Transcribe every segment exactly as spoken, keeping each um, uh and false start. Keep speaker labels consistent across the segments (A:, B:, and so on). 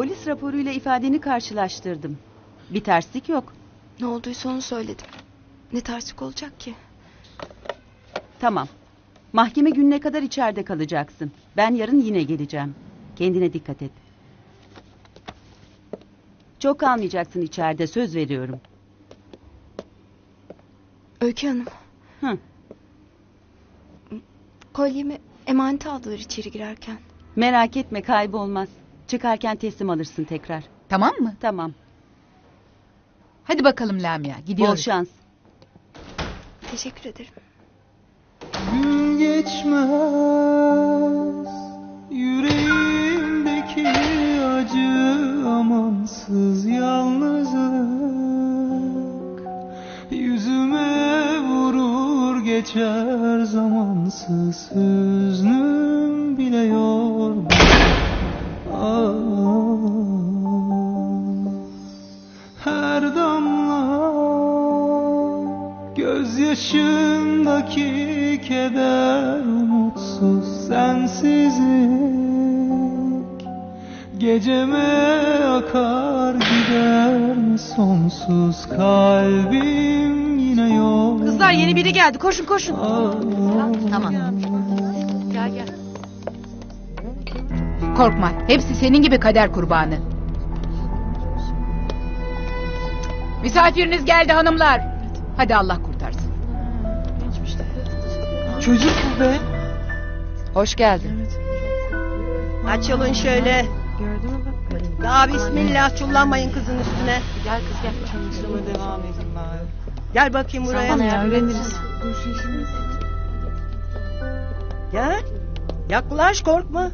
A: Polis raporuyla ifadeni karşılaştırdım. Bir terslik yok.
B: Ne olduysa onu söyledim. Ne terslik olacak ki?
A: Tamam. Mahkeme gününe kadar içeride kalacaksın. Ben yarın yine geleceğim. Kendine dikkat et. Çok kalmayacaksın içeride, söz veriyorum.
B: Öykü Hanım.
A: Hı.
B: Kolyemi emanete aldılar içeri girerken.
A: Merak etme, kaybolmaz. Çıkarken teslim alırsın tekrar.
C: Tamam mı?
A: Tamam.
C: Hadi bakalım Lamia, gidiyoruz.
A: Bol şans.
B: Teşekkür ederim.
D: Gün geçmez yüreğimdeki acı, amansız yalnızlık yüzüme vurur geçer, zamansız hüznüm bile yorgun. Ah, her damla gözyaşımdaki keder, umutsuz sensizlik geceme akar gider mi sonsuz, kalbim yine yok.
E: Kızlar, yeni biri geldi, koşun koşun.
C: Tamam. Gel gel. Korkma, hepsi senin gibi kader kurbanı. Misafiriniz geldi hanımlar. Hadi Allah kurtarsın.
D: Çocuk bu be.
C: Hoş geldin.
E: Açılın şöyle. Daha bismillah, çullanmayın kızın üstüne.
C: Gel kız gel.
D: Çalışmama devam edin bari.
E: Gel bakayım buraya.
D: ya, öğreniriz.
E: Gel. Yaklaş, korkma.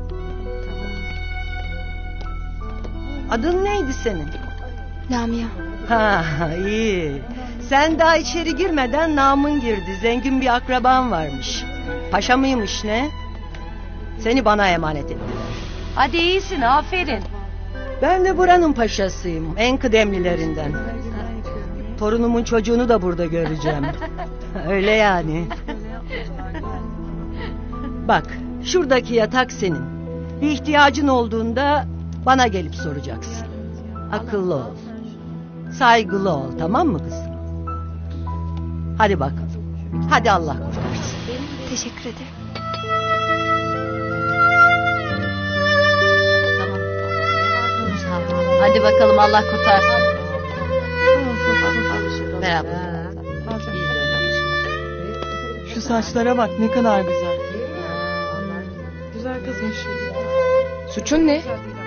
E: Adın neydi senin?
B: Lamia.
E: Ha, iyi. Sen daha içeri girmeden namın girdi. Zengin bir akraban varmış. Paşa mıymış ne? Seni bana emanet ettiler.
F: Hadi iyisin, aferin.
E: Ben de buranın paşasıyım. En kıdemlilerinden. Torunumun çocuğunu da burada göreceğim. Öyle yani. Bak, şuradaki yatak senin. Bir ihtiyacın olduğunda bana gelip soracaksın. Akıllı ol. Saygılı ol, tamam mı kızım? Hadi bakalım. Hadi Allah kurtarsın.
B: Teşekkür ederim.
F: Hadi bakalım, Allah kurtarsın. Merhaba.
D: Şu saçlara bak, ne kadar güzel. Güzel kızmış.
C: Suçun ne?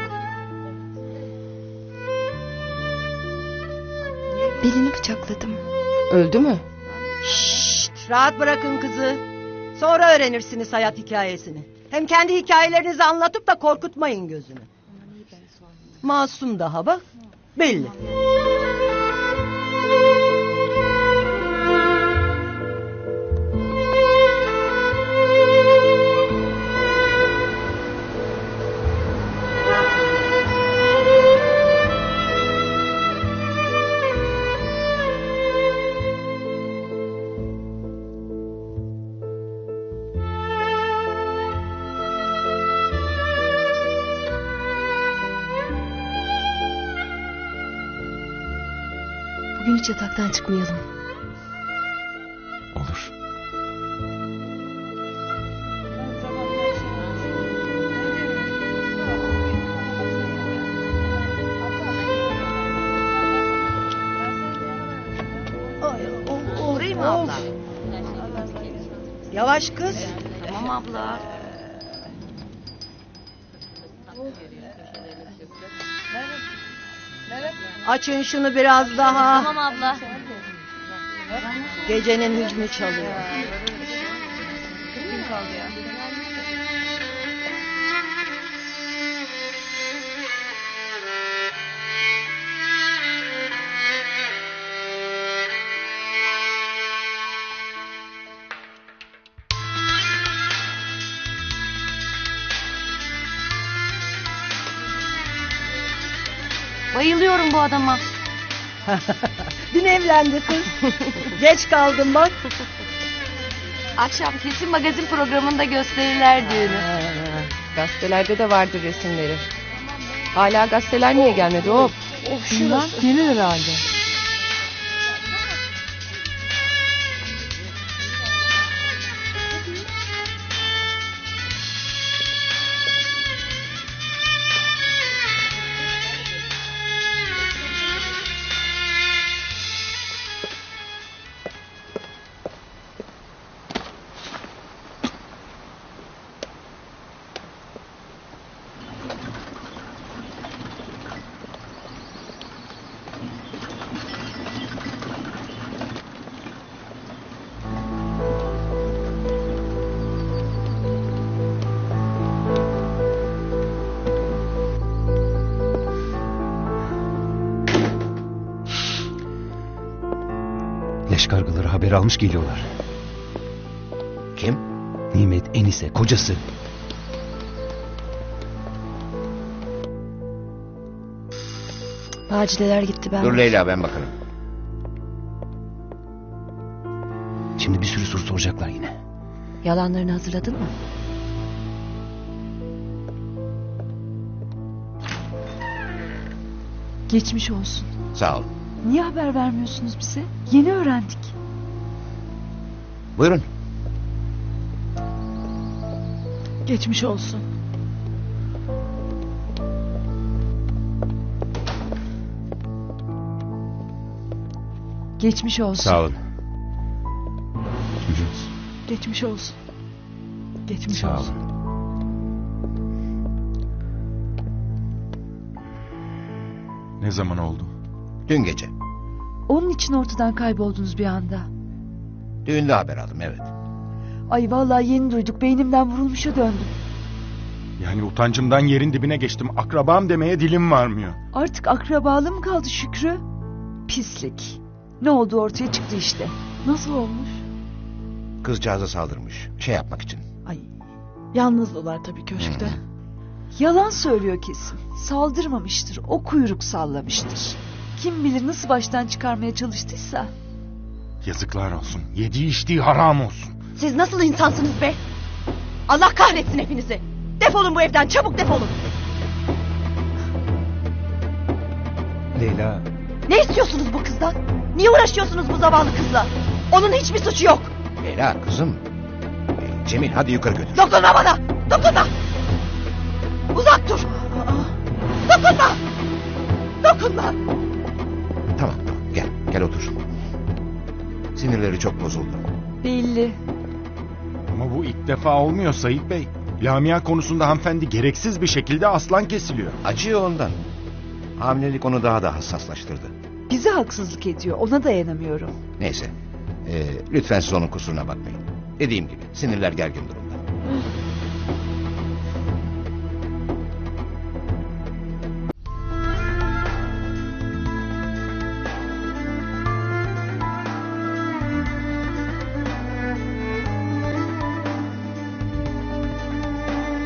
B: Belini bıçakladım.
C: Öldü mü?
E: Şşt, rahat bırakın kızı. Sonra öğrenirsiniz hayat hikayesini. Hem kendi hikayelerinizi anlatıp da korkutmayın gözünü. Masum daha bak, belli.
B: Bugün hiç yataktan çıkmayalım.
D: Olur.
F: Vurayım mı abla?
E: Yavaş kız.
F: Tamam abla.
E: Açın şunu biraz daha.
F: Tamam abla.
E: Gecenin hüznü çalıyor.
F: Bayılıyorum bu adama.
E: Dün evlendi kız. Geç kaldım bak.
F: Akşam kesin magazin programında gösterirler düğünü.
C: Gazetelerde de vardır resimleri. Hala gazeteler niye gelmedi hop?
D: Bilmem, gelir herhalde.
G: Leş kargaları haber almış geliyorlar.
H: Kim?
G: Nimet, Enise, kocası.
B: Macideler gitti ben.
H: Dur Leyla, ben bakarım.
G: Şimdi bir sürü soru soracaklar yine.
B: Yalanlarını hazırladın mı?
I: Geçmiş olsun.
H: Sağ ol.
I: Niye haber vermiyorsunuz bize? Yeni öğrendik.
H: Buyurun.
I: Geçmiş olsun. Geçmiş olsun.
G: Sağ olun.
I: Geçmiş olsun. Geçmiş
G: Sağ
I: olsun.
G: olun.
J: Ne zaman oldu?
H: Dün gece.
I: Onun için ortadan kayboldunuz bir anda.
H: Düğünde haber aldım, evet.
I: Ay vallahi yeni duyduk. Beynimden vurulmuşa döndüm.
J: Yani utancımdan yerin dibine geçtim. Akrabam demeye dilim varmıyor.
I: Artık akrabalı mı kaldı Şükrü? Pislik. Ne oldu ortaya çıktı işte. Nasıl olmuş?
H: Kızcağıza saldırmış. Şey yapmak için.
I: Ay yalnızdılar tabii köşkte.
H: Hı.
I: Yalan söylüyor kesin. Saldırmamıştır. O kuyruk sallamıştır. Kim bilir nasıl baştan çıkarmaya çalıştıysa.
J: Yazıklar olsun. Yediği içtiği haram olsun.
F: Siz nasıl insansınız be? Allah kahretsin hepinizi. Defolun bu evden, çabuk defolun.
G: Leyla.
F: Ne istiyorsunuz bu kızdan? Niye uğraşıyorsunuz bu zavallı kızla? Onun hiçbir suçu yok.
H: Leyla kızım. Ee, Cemil hadi yukarı götür.
F: Dokunma bana! Dokunma! Uzak dur! Dokunma! Dokunma!
H: Tamam tamam, gel gel otur. Sinirleri çok bozuldu.
I: Belli.
J: Ama bu ilk defa olmuyor Sayit Bey. Lamia konusunda hanımefendi gereksiz bir şekilde aslan kesiliyor.
H: Acıyor ondan. Hamilelik onu daha da hassaslaştırdı.
I: Bize haksızlık ediyor. Ona dayanamıyorum.
H: Neyse. Ee, lütfen siz onun kusuruna bakmayın. Dediğim gibi sinirler gergin durumda.